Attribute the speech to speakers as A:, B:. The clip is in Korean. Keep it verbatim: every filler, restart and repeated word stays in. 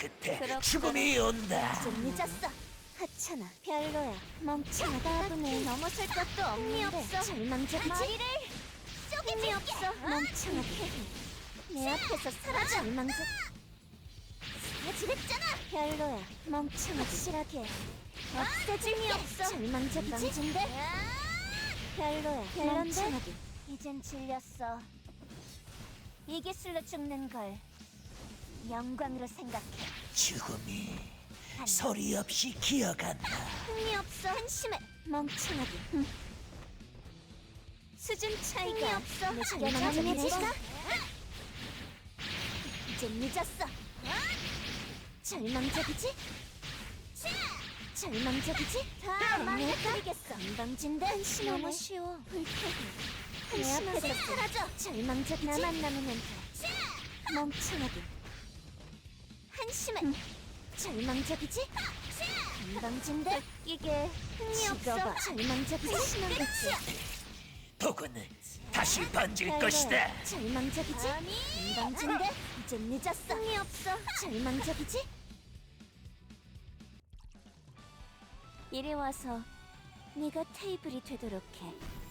A: 끝에
B: 그렇구나.
A: 죽음이 온다.
B: 좀 늦었어. 하찮아. 별로야. 멍청하다. 답을 넘어설 것도 없는데. 절망적이지? 머리를 쪼개줄게. 없어. 멍청하게. 내 앞에서 사라져. 절망적. 사라지랬잖아. 별로야. 멍청하게. 확실하게. 없애줄 게 없어. 절망적이지? 별로야. 별론데? 이젠 질렸어. 이 기술로 죽는 걸 영광으로 생각해.
A: 죽음이 소리 없이 기어간다.
B: 흥미 없어. 한심해. 멍청하게. 흠. 수준 차이가 없어. 절망적이지? 이제 늦었어. 절망적이지? 절망적이지? 다 망해버리겠어. 건방진데? 한심 너무 쉬워. 불쾌해. 내 앞에서 사라져. 절망적이지? 나만 남으면 돼. 멍청하게. 한심해. 음. 절망적이지? 건방진데? 이게 흥미 없어. 절망적이지? 한심한 거지?
A: 복은 다시 번질
B: 별로야.
A: 것이다.
B: 절망적이지? 건방진데? 이제 늦었어. 흥미 없어. 절망적이지? 이리 와서 네가 테이블이 되도록 해.